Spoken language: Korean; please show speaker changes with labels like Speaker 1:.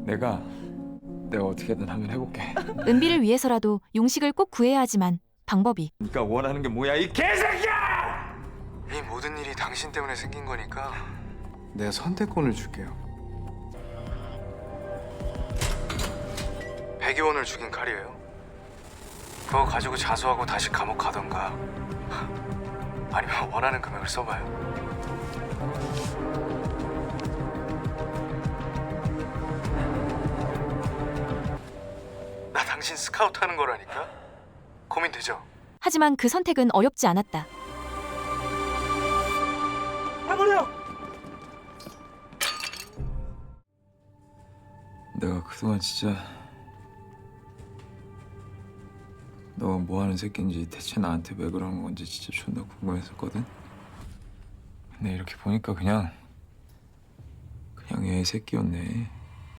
Speaker 1: 내가 어떻게든 한번 해볼게.
Speaker 2: 은비를 위해서라도 용식을 꼭 구해야 하지만 방법이.
Speaker 1: 네가 원하는 게 뭐야 이 개새끼야!
Speaker 3: 이 모든 일이 당신 때문에 생긴 거니까 내가 선택권을 줄게요. 백의원을 죽인 칼이에요. 그거 가지고 자수하고 다시 감옥 가던가 아니면 원하는 금액을 써봐요. 나 당신 스카우트 하는 거라니까? 고민되죠?
Speaker 2: 하지만 그 선택은 어렵지 않았다.
Speaker 1: 내가 그동안 진짜 너가 뭐 하는 새끼인지 대체 나한테 왜 그러는 건지 진짜 존나 궁금했었거든. 근데 이렇게 보니까 그냥 애 새끼였네.